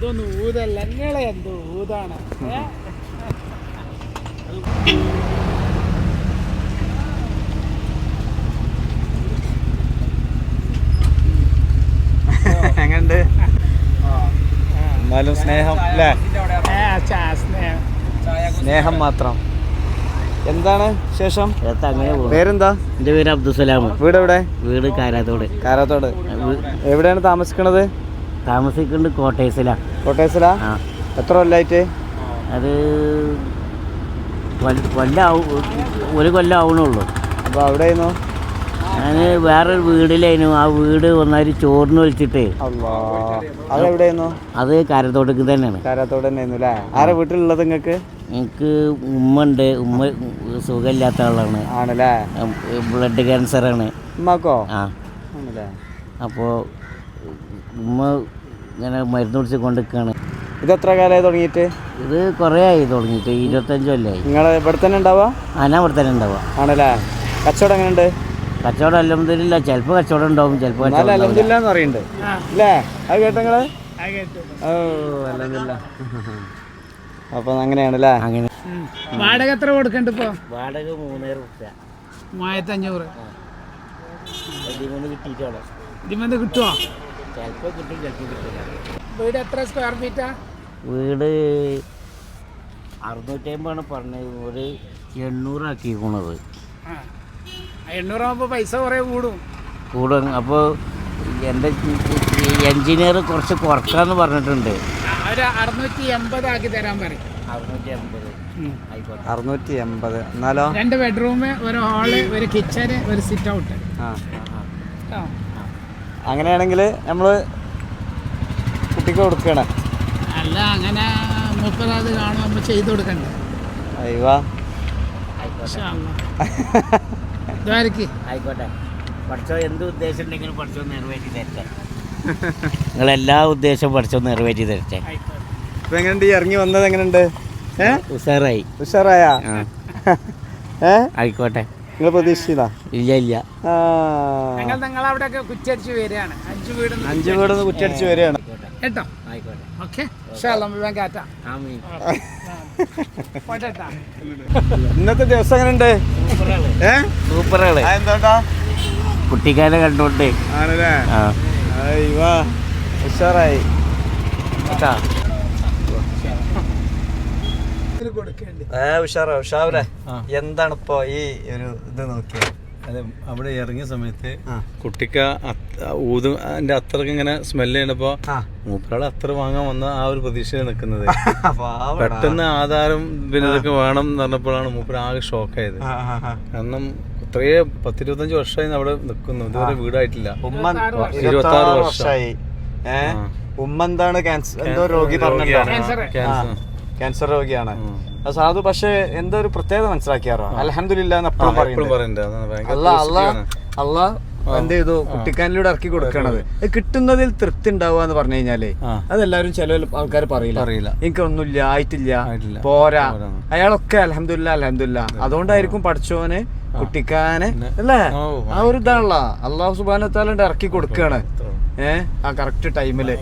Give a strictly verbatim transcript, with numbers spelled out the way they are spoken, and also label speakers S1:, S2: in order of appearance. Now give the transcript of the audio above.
S1: ഇതൊന്നും ഊതല്ല, നിങ്ങളെ എന്തോ ഊതാണ്.
S2: എങ്ങനുണ്ട്? എന്നാലും സ്നേഹം അല്ലേ? സ്നേഹം മാത്രം. എന്താണ് ശേഷം? പേരെന്താ?
S3: എൻ്റെ പേര് അബ്ദുസലാം.
S2: വീട് എവിടെ?
S3: വീട് കാരാത്തോട്.
S2: കാരാത്തോട്. എവിടെയാണ് താമസിക്കണത്?
S3: താമസിക്കുന്നത് കോട്ടേഴ്സിലാ.
S2: കോട്ടേഴ്സിലാ? എത്ര കൊല്ലായിട്ട്?
S3: അത് കൊല്ലം ഒരു കൊല്ലം ആവണുള്ളൂ.
S2: അപ്പോൾ അവിടെ ആയിരുന്നു?
S3: ഞാൻ വേറൊരു വീടിലായിരുന്നു. ആ വീട് ഒന്നായി ചോറിന് വിളിച്ചിട്ടേ.
S2: അതെവിടെയായിരുന്നു?
S3: അത് കാരത്തോട്ടേക്ക് തന്നെയാണ്.
S2: കാരാത്തോട് തന്നെ ആയിരുന്നു അല്ലേ? ആരെ വീട്ടിലുള്ളത് നിങ്ങൾക്ക്?
S3: എനിക്ക് ഉമ്മ ഉണ്ട്. ഉമ്മ സുഖമില്ലാത്ത ആളാണ്.
S2: ആണല്ലേ?
S3: ബ്ലഡ് ക്യാൻസറാണ്
S2: ഉമ്മക്കോ?
S3: ആ
S2: ആണല്ലേ?
S3: അപ്പോൾ ഉമ്മ ഇങ്ങനെ മരുന്ന് കുടിച്ച് കൊണ്ടിരിക്കുകയാണ്.
S2: ഇത് എത്ര കാലമായി തുടങ്ങിയിട്ട്?
S3: ഇത് കുറേ ആയി തുടങ്ങിയിട്ട്, ഇരുപത്തഞ്ച് കൊല്ലമായി.
S2: നിങ്ങൾ ഇവിടെ തന്നെ ഉണ്ടാവുക?
S3: ആ, ഞാൻ ഇവിടെ തന്നെ ഉണ്ടാവുക.
S2: ആണല്ലേ? കച്ചവടം എങ്ങനെയുണ്ട്?
S3: കച്ചവടം അൽഹംദുലില്ലാ. ചിലപ്പോൾ കച്ചവടം ഉണ്ടാവും, ചിലപ്പോൾ
S2: അൽഹംദുലില്ലാ എന്ന് പറയുന്നുണ്ട് അല്ലേ? അത് കേട്ടോ നിങ്ങള്? ഓ അൽഹംദുലില്ലാ. അപ്പം അങ്ങനെയാണല്ലേ? അങ്ങനെ.
S1: വാടക എത്ര കൊടുക്കണ്ട ഇപ്പൊ?
S3: വാടക മൂന്നര റുപ്യ.
S1: മൂവായിരത്തി അഞ്ഞൂറ്
S3: ഇതിമൂന്ന് കിട്ടിയിട്ടാണ്.
S1: ഇതിമെന്ന് കിട്ടുമോ?
S3: ചിലപ്പോൾ കിട്ടും, ചിലപ്പോൾ കിട്ടില്ല.
S1: വീട് എത്ര സ്ക്വയർ ഫീറ്റാ?
S3: വീട് അറുന്നൂറ്റി അമ്പതാണ് പറഞ്ഞത്. ഒരു എണ്ണൂറാക്കിക്കണത്.
S1: എണ്ണൂറാകുമ്പോൾ പൈസ കുറേ കൂടും
S3: കൂടും. അപ്പോൾ എൻ്റെ എൻജിനീയർ കുറച്ച് കുറക്കാന്ന് പറഞ്ഞിട്ടുണ്ട്.
S1: ഒരു അറുന്നൂറ്റി എൺപത് ആക്കി തരാൻ പറയും.
S3: അറുന്നൂറ്റി എൺപത് ആയിക്കോട്ടെ.
S2: അറുന്നൂറ്റി എൺപത്. എന്നാലോ?
S1: രണ്ട് ബെഡ്റൂം, ഒരു ഹാള്, ഒരു കിച്ചന്, ഒരു സിറ്റ് ഔട്ട്.
S2: ആ, അങ്ങനെയാണെങ്കിൽ നമ്മൾ കുട്ടിക്ക് കൊടുക്കണം.
S1: അല്ല, അങ്ങനെ മുപ്പത് കാണും നമ്മൾ ചെയ്ത് കൊടുക്കണ്ടേ?
S2: അയ്യോ
S3: ആയിക്കോട്ടെ. പഠിച്ചോ എന്ത് ഉദ്ദേശം ഉണ്ടെങ്കിലും പഠിച്ചോ നിറവേറ്റി തരട്ടെ. നിങ്ങളെല്ലാ ഉദ്ദേശവും പഠിച്ചോ നിറവേറ്റി തരട്ടെ.
S2: ഇപ്പം എങ്ങനെയുണ്ട്? ഈ ഇറങ്ങി വന്നത് എങ്ങനെയുണ്ട്? ഏഹ്
S3: ഉഷാറായി.
S2: ഉഷാറായ? ഏ
S3: ആയിക്കോട്ടെ.
S2: നിങ്ങൾ പ്രതീക്ഷിച്ചതാ?
S3: ഇല്ല ഇല്ല.
S1: ഞങ്ങൾ നിങ്ങൾ അവിടെയൊക്കെ കുറ്റടിച്ച് വരികയാണ്. അഞ്ച് വീട്
S2: അഞ്ച് വീട് കുറ്റടിച്ച് വരികയാണ്
S1: കേട്ടോ?
S3: ആയിക്കോട്ടെ.
S1: ഓക്കെ.
S2: ഇന്നത്തെ ദിവസം എങ്ങനെയുണ്ട്?
S3: സൂപ്പറാണ്.
S2: എന്താ
S3: കുട്ടിക്കാരെ കണ്ടോണ്ട്
S2: ആണല്ലേ? അയ്യോ ഉഷാറായി കേട്ടാ. ഉഷാറാ ഉഷാവൂലേ? എന്താണ് ഇപ്പൊ ഈ ഒരു ഇത് നോക്കിയത്?
S4: അതെ, അവിടെ ഇറങ്ങിയ സമയത്ത് കുട്ടിക്ക ഊത് അതിന്റെ അത്രക്ക് ഇങ്ങനെ സ്മെല്ല് ചെയ്യണപ്പോ മൂപ്പരാള് അത്ര വാങ്ങാൻ വന്ന ആ ഒരു പ്രതീക്ഷയിൽ നിൽക്കുന്നത്. പെട്ടെന്ന് ആധാരം പിന്നെ ഇതൊക്കെ വേണം എന്ന് പറഞ്ഞപ്പോഴാണ് മൂപ്പര് ആകെ ഷോക്കായത്. കാരണം ഇത്രയേ പത്തിരുപത്തഞ്ച് വർഷമായി അവിടെ നിൽക്കുന്നു, ഇതുവരെ വീടായിട്ടില്ല. ഇരുപത്തി ആറ് വർഷമായി.
S2: ഉമ്മ എന്താണ് ക്യാൻസർ എന്തോ രോഗി പറഞ്ഞല്ലോ, ക്യാൻസർ രോഗിയാണ് സാധു. പക്ഷെ എന്തോ ഒരു പ്രത്യേകത മനസ്സിലാക്കിയാറോ? അൽഹംദുലില്ലാ എപ്പോഴും പറയുന്നുണ്ട്. അള്ളാ എന്ത് ചെയ്തു? കുട്ടിക്കാനിലൂടെ ഇറക്കി കൊടുക്കണത്. കിട്ടുന്നതിൽ തൃപ്തി ഉണ്ടാവുക എന്ന് പറഞ്ഞു കഴിഞ്ഞാല് അതെല്ലാരും ചില ആൾക്കാർ പറയില്ല പറയില്ല എനിക്കൊന്നുമില്ല, ആയിട്ടില്ല, പോരാ. അയാളൊക്കെ അൽഹംദുലില്ലാ അൽഹംദുലില്ലാ. അതുകൊണ്ടായിരിക്കും പഠിച്ചോന് കുട്ടിക്കാനെ അല്ലേ? ആ ഒരു ഇതാണല്ലോ അള്ളാഹു സുബ്ഹാനഹു വ തആല ഇറക്കി കൊടുക്കുകയാണ് ഏഹ് ആ കറക്റ്റ് ടൈമില്.